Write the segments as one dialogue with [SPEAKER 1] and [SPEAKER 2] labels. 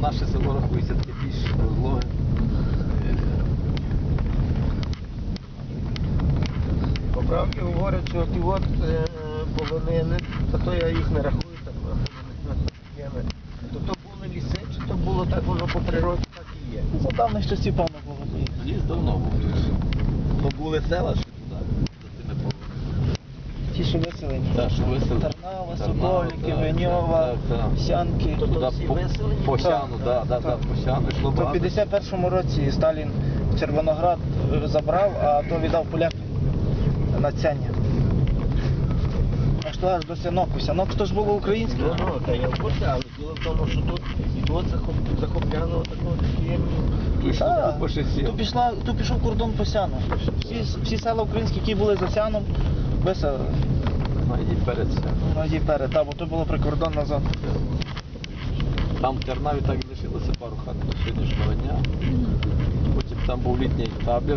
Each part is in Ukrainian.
[SPEAKER 1] наше село рахується таке більш розлоге.
[SPEAKER 2] По правді говорять, що ті от полонини, та то я їх не рахую, так то були ліси, чи то було так, воно по природі так і є.
[SPEAKER 3] За давних часів, певно, було.
[SPEAKER 1] Ліс давно був. То були села, що туди, за тими полонинами.
[SPEAKER 3] Ті, що виселені.
[SPEAKER 1] Так, що виселені.
[SPEAKER 3] Тарнава, Соколики,
[SPEAKER 1] так,
[SPEAKER 3] Веньова,
[SPEAKER 1] так.
[SPEAKER 3] Сянки.
[SPEAKER 2] То
[SPEAKER 1] Туди
[SPEAKER 2] всі
[SPEAKER 1] по
[SPEAKER 2] виселені?
[SPEAKER 1] Сяну, по Сяну йшло
[SPEAKER 3] То в
[SPEAKER 1] багато.
[SPEAKER 3] 51-му році Сталін Червоноград забрав, а то віддав полякам на Цяня. Аж то аж до Сянок. Сянок то ж було українське.
[SPEAKER 2] Ну, та я в курсі, але діло в тому, що тут захопляно такого такі.
[SPEAKER 3] Так,
[SPEAKER 1] По шосі.
[SPEAKER 3] тут пішов кордон по Сяну. Всі села українські, які були за Сяном, виселили.
[SPEAKER 1] І перед Сяном.
[SPEAKER 3] І перед, бо то було прикордонна зона.
[SPEAKER 1] Там в Тернаві так і лишилося пару хат до сьогоднішнього дня. Потім там був літній табір.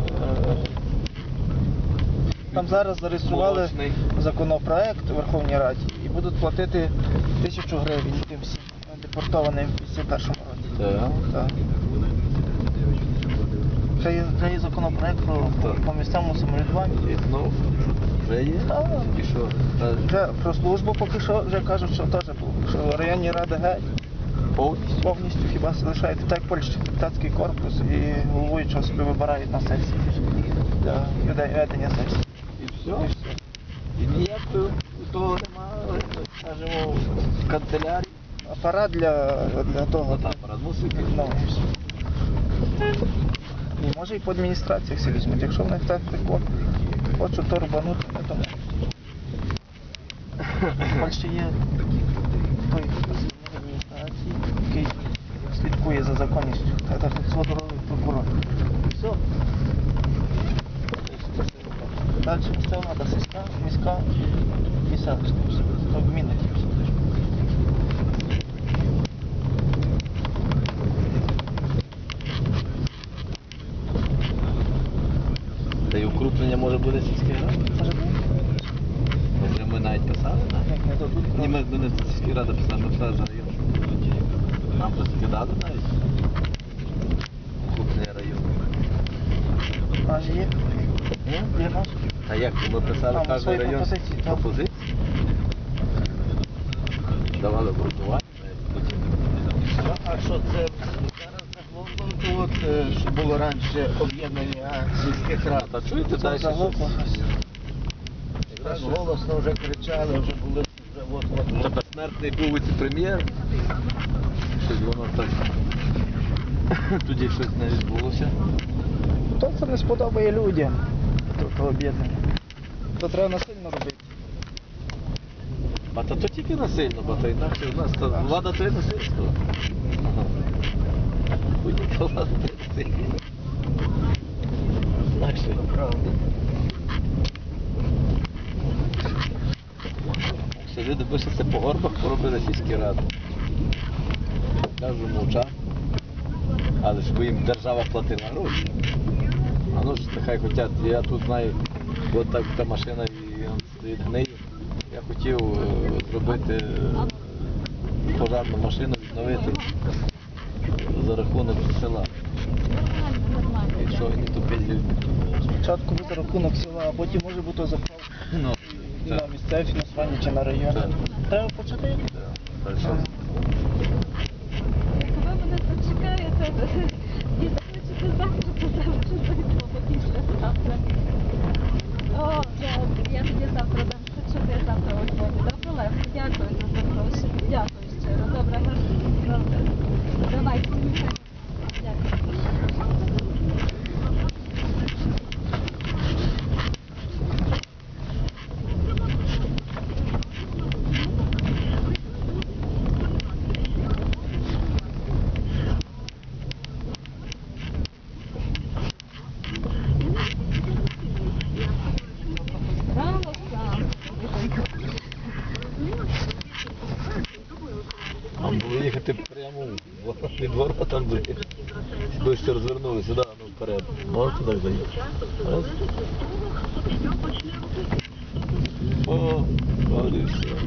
[SPEAKER 3] Там зараз зареєстрували
[SPEAKER 1] Молочний.
[SPEAKER 3] законопроект у Верховній Раді і будуть платити 1000 гривень тим всім депортованим в 51-му році.
[SPEAKER 1] Так.
[SPEAKER 3] Так. Це є законопроект по місцевому самоврядуванню.
[SPEAKER 1] І знов вже є.
[SPEAKER 3] Так.
[SPEAKER 1] І що?
[SPEAKER 3] Вже про службу поки що вже кажуть, що теж було. Що районні ради геть повністю хіба лишають, так як Польща, депутатський корпус і головуючого собі вибирають на сесії для ведення сесії.
[SPEAKER 1] І все. І ніякого того немає, скажімо, в канцелярії.
[SPEAKER 3] Апарат для того.
[SPEAKER 1] Там апарат мусить.
[SPEAKER 3] Ну, і може і по адміністраціях всі візьмуть. Якщо вони так хочуть то рубанути, то можуть. В Польщі є той працівник адміністрації, який слідкує за законністю. Це так сводоровий прокурор. Все. Далі місцева влада, сільська, міська і селищна. То гміни.
[SPEAKER 1] Та й укрупнення може буде сільської ради.
[SPEAKER 3] Може бути?
[SPEAKER 1] Вже ми навіть писали, так?
[SPEAKER 3] Як не дадуть.
[SPEAKER 1] Ні, ми не сільської ради писали, ми писали за район. Нам вже скидали навіть. Укрупнення району.
[SPEAKER 3] А є? Є наш?
[SPEAKER 1] А як ми писали
[SPEAKER 3] Там
[SPEAKER 1] кожен
[SPEAKER 3] свої
[SPEAKER 1] район
[SPEAKER 3] пропозиції, так.
[SPEAKER 1] пропозиції? Давали обґрунтування, потім.
[SPEAKER 2] А що це зараз заглохло, то от, що було раніше об'єднання сільських рад?
[SPEAKER 1] Та чуєте далі?
[SPEAKER 3] Заглохло.
[SPEAKER 2] Так голосно вже кричали, вже були вже от.
[SPEAKER 1] Та безсмертний був віце-прем'єр. Щось воно так. Тоді щось не відбулося.
[SPEAKER 3] То це не сподобає людям, то об'єднання. То треба насильно робити.
[SPEAKER 1] А то тільки насильно, бо то інакше у нас то влада це насильство. Будь-яка влада це насильство. Інакше.
[SPEAKER 2] Правда.
[SPEAKER 1] Якщо люди пишуться по горбах, поробили сільські ради. Кажу, мовчав. Але ж бо їм держава платила гроші. А ну ж хай хотять, я тут знаю, от так та машина і он стоїть гниє. Я хотів зробити пожарну машину, відновити за рахунок села. І що, і не тупить люди.
[SPEAKER 3] Спочатку буде рахунок села, а потім може бути заправка
[SPEAKER 1] Ну,
[SPEAKER 3] на місцеве фінансування чи на район.
[SPEAKER 1] Так.
[SPEAKER 3] Треба почати.
[SPEAKER 1] так що?
[SPEAKER 4] Ви мене почекаєте, і захочете завтра, то завтра зайдемо, після завтра. О, я тоді завтра дам, щоб я завтра у Львові. Добре, Левко, дякую за запрошення. Дякую щиро. Добре, добре. Давайте. Дякую. Браво, сам.
[SPEAKER 1] Нам було їхати прямо від ворота були. Ближче розвернули сюди, ну вперед. Можете так заїхати? Раз. О, от і все.